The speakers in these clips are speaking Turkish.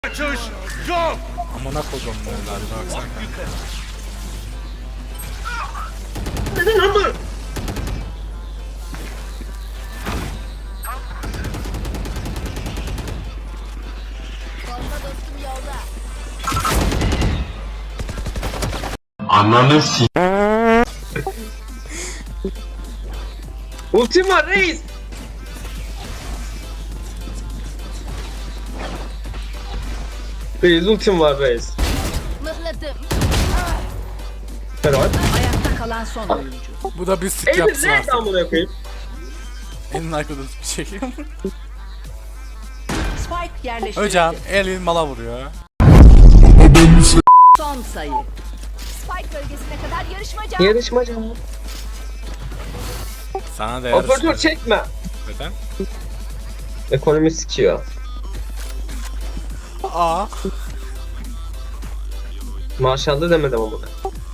Kaçış yok. Amına koydum bunları baksana. Neden ama? Bomba dostum yolda. Ananı s***. Ultim var reis. Reis ultim var reis. Mıhladım. Helal. Ayakta kalan son oyuncu. Bu da bir sık Emir yapsın nerede artık. amına koyayım? En arkada bir şey. Spike yerleştirildi. Hocam elin mala vuruyor. Son sayı. Spike bölgesine kadar yarışmaca. Yarışmacı. Sana değer Operatör çekme. Neden? Ekonomi sikiyor. Aa. Maşallah demedim amına.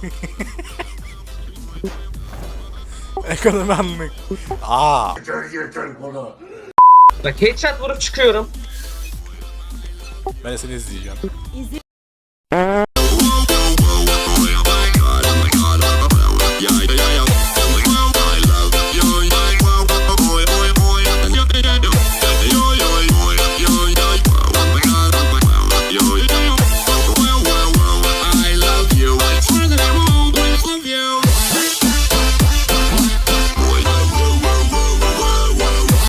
Ekonomi anlık. Aa. Bak headshot vurup çıkıyorum. Ben de seni izleyeceğim. İzin